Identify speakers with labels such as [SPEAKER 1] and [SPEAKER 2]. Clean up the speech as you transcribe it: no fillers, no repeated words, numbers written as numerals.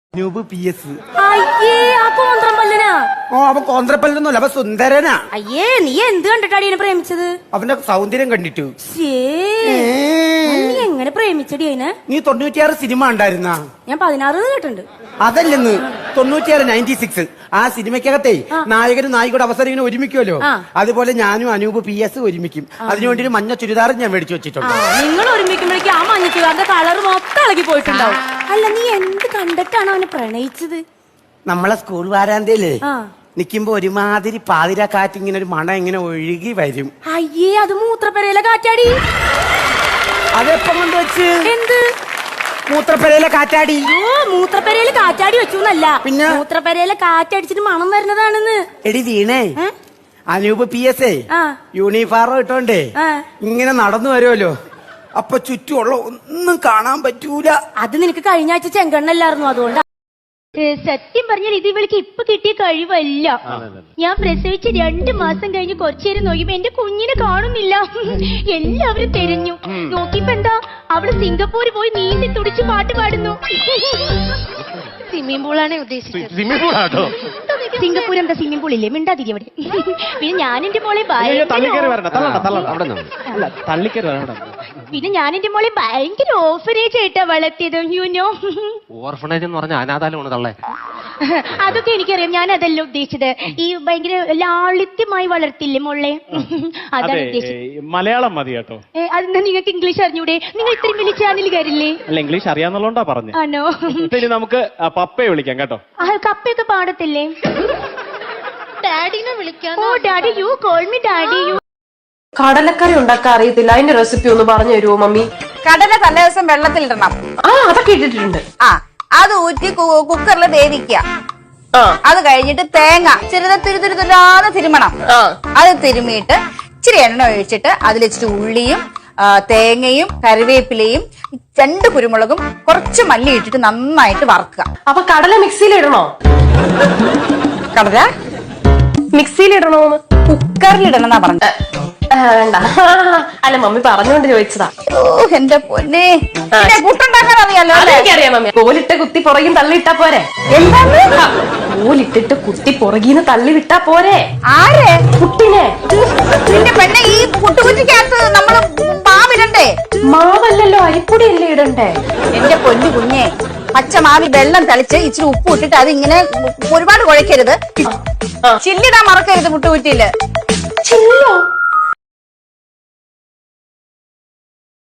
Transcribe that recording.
[SPEAKER 1] Anoop PS.
[SPEAKER 2] അയ്യേ ആ കോന്ത്രമ്പല്ലനാ.
[SPEAKER 1] ഓ അവൻ കോന്ത്രപ്പല്ലൊന്നുമല്ല, അവൻ സുന്ദരനാ.
[SPEAKER 2] അയ്യേ നീ എന്ത് കണ്ടിട്ടാടി എന്നെ പ്രേമിച്ചത്?
[SPEAKER 1] അവന്റെ സൗന്ദര്യം കണ്ടിട്ടു.
[SPEAKER 2] നീ എങ്ങനെ പ്രേമിച്ചടി അതിനെ?
[SPEAKER 1] നീ 96 സിനിമ ഉണ്ടായിരുന്ന?
[SPEAKER 2] ഞാൻ 16 കേട്ടിട്ടുണ്ട്.
[SPEAKER 1] അതല്ലെന്ന് 96 96 ആ സിനിമയ്ക്കകത്തെ നായകനും നായികയുടെ അവസരം ഇങ്ങനെ ഒരുമിക്കുമല്ലോ, അതുപോലെ ഞാനും അനൂപ് PS ഒരുമിക്കും. അതിനുവേണ്ടി ഒരു മഞ്ഞ ചുരിദാർ ഞാൻ മേടിച്ചു വെച്ചിട്ടുണ്ട്.
[SPEAKER 2] നിങ്ങൾ ഒരുമിക്കുമ്പോഴേക്കും ആ മഞ്ഞ ചുരിദാറിന്റെ കളർ മൊത്തം ഇളകി പോയിട്ടുണ്ടാവും. അല്ല നീ എന്ത് കണ്ടിട്ടാണ് അവനെ പ്രണയിച്ചത്?
[SPEAKER 1] നമ്മളെ സ്കൂൾ വാരാന്തയിലേ നിക്കുമ്പോ ഒരുമാതിരി പാതിര കാറ്റ് ഇങ്ങനെ ഒരു മണം ഇങ്ങനെ ഒഴുകി വരും.
[SPEAKER 2] അയ്യേ അത് മൂത്രപ്പെരയിലെ കാറ്റാടി.
[SPEAKER 1] അതെപ്പം കൊണ്ട് വെച്ച്?
[SPEAKER 2] എന്ത്
[SPEAKER 1] മൂത്രപ്പെരയിലെ കാറ്റാടി?
[SPEAKER 2] മൂത്രപ്പെരയില് കാറ്റാടി വെച്ചു എന്നല്ല,
[SPEAKER 1] പിന്നെ
[SPEAKER 2] മൂത്രപ്പെരയിലെ കാറ്റടിച്ചിട്ട് മണം വരുന്നതാണെന്ന്.
[SPEAKER 1] എടി വീണേ, അനൂപ് PS യൂണിഫോം ഇട്ടോണ്ടേ ഇങ്ങനെ നടന്നു വരുമല്ലോ, അപ്പൊ ചുറ്റുമുള്ള ഒന്നും കാണാൻ പറ്റൂല.
[SPEAKER 2] അത് നിനക്ക് കഴിഞ്ഞ ആഴ്ച ചെങ്കണ്ണല്ലായിരുന്നു, അതുകൊണ്ട്.
[SPEAKER 3] സത്യം പറഞ്ഞാൽ ഇത് ഇവൾക്ക് ഇപ്പൊ കിട്ടിയ കഴിവല്ല. ഞാൻ പ്രസവിച്ച് 2 മാസം കഴിഞ്ഞ് കുറച്ചേരം നോക്കിയപ്പോ എന്റെ കുഞ്ഞിനെ കാണുന്നില്ല. എല്ലാവരും തെരഞ്ഞു നോക്കിയപ്പോ എന്താ, അവള് സിംഗപ്പൂര് പോയി നീന്തി തുടിച്ച് പാട്ട് പാടുന്നു. സ്വിമ്മിംഗ് പൂളാണ് ഉദ്ദേശിച്ചത്. സിംഗപ്പൂർ എന്താ സ്വിമ്മിംഗ് പൂൾ ഇല്ലേ? മിണ്ടാതിരി അവിടെ. പിന്നെ ഞാൻ എന്റെ മോളെ ഭയങ്കര ഓർഫനേജ് ആയിട്ടാ വളർത്തിയത്. യുനോ
[SPEAKER 4] ഓർഫനേജ് എന്ന് പറഞ്ഞ അനാഥാലമാണ് തള്ളേ.
[SPEAKER 3] അതൊക്കെ എനിക്കറിയാം, ഞാൻ അതല്ല ഉദ്ദേശിച്ചത്. ഈ ഭയങ്കര ലാളിത്യമായി വളർത്തില്ലേ മോളെ, അതാണ് ഉദ്ദേശിച്ചത്.
[SPEAKER 5] മലയാളം മതി കേട്ടോ.
[SPEAKER 3] അതെന്താ നിങ്ങൾക്ക് ഇംഗ്ലീഷ് അറിഞ്ഞൂടെ? നിങ്ങൾ ഇത്രയും വലിയ ചാനലുകാരില്ലേ?
[SPEAKER 5] അല്ല, ഇംഗ്ലീഷ് അറിയാന്നുള്ളതുകൊണ്ടാ പറഞ്ഞു.
[SPEAKER 3] ആണോ?
[SPEAKER 5] ഇനി നമുക്ക് പപ്പയെ വിളിക്കാം കേട്ടോ.
[SPEAKER 3] കപ്പയൊക്കെ പാടത്തില്ലേ? ഡാഡിനെ വിളിക്കാം. ഓ daddy, you call me daddy. You
[SPEAKER 6] കടലക്കറി ഉണ്ടാക്കാൻ അറിയത്തില്ല, അതിന്റെ റെസിപ്പി ഒന്ന് പറഞ്ഞു തരുമോ മമ്മി?
[SPEAKER 7] കടല തലേ ദിവസം വെള്ളത്തിലിടണം.
[SPEAKER 6] അതൊക്കെ ഇട്ടിട്ടുണ്ട്.
[SPEAKER 7] അത് ഊറ്റി കുക്കറിൽ വേവിക്കുക. അത് കഴിഞ്ഞിട്ട് തേങ്ങ തുരുതുരുതുരാന്ന് തിരുമണം. അത് തിരുമിയിട്ട് ഇച്ചിരി എണ്ണ ഒഴിച്ചിട്ട് അതിൽ ഇച്ചിരി ഉള്ളിയും തേങ്ങയും കറിവേപ്പിലയും 2 കുരുമുളകും കുറച്ച് മല്ലി ഇട്ടിട്ട് നന്നായിട്ട് വറക്കുക.
[SPEAKER 6] അപ്പൊ കടല മിക്സിയിൽ ഇടണോ?
[SPEAKER 7] കടല
[SPEAKER 6] മിക്സിയിൽ ഇടണോന്ന്?
[SPEAKER 7] കുക്കറിലിടണമെന്നാ പറഞ്ഞത്.
[SPEAKER 6] വേണ്ട, അല്ല മമ്മി പറഞ്ഞുകൊണ്ട് ചോദിച്ചതാ.
[SPEAKER 7] ഓ എന്റെ പൊന്നെ, പുട്ടുണ്ടാക്കാൻ അറിയാലോ?
[SPEAKER 6] എനിക്കറിയാം മമ്മി. കോലിട്ട് കുത്തി പുറകിന്ന് തള്ളിയിട്ടാ പോരെ?
[SPEAKER 7] എന്താണ്?
[SPEAKER 6] കോലിട്ടിട്ട് കുത്തി പുറകിന്ന് തള്ളി വിട്ടാ പോരെ?
[SPEAKER 7] ആരെ?
[SPEAKER 6] കുട്ടിനെ.
[SPEAKER 7] നിന്റെ പെണ്ണെ, ഈ പുട്ടുകുറ്റിക്കകത്ത് നമ്മള് മാവിടണ്ടേ?
[SPEAKER 6] മാവല്ലല്ലോ, അരിപ്പൊടിയല്ലേ ഇടണ്ടേ?
[SPEAKER 7] എന്റെ പൊന്നു കുഞ്ഞെ, പച്ചമാവി വെള്ളം തളിച്ച് ഇച്ചിരി ഉപ്പ് ഇട്ടിട്ട് അതിങ്ങനെ ഒരുപാട് കുഴക്കരുത്. ചില്ലിടാൻ മറക്കരുത് പുട്ടുകുറ്റിയില്.
[SPEAKER 6] ചില്ലോ?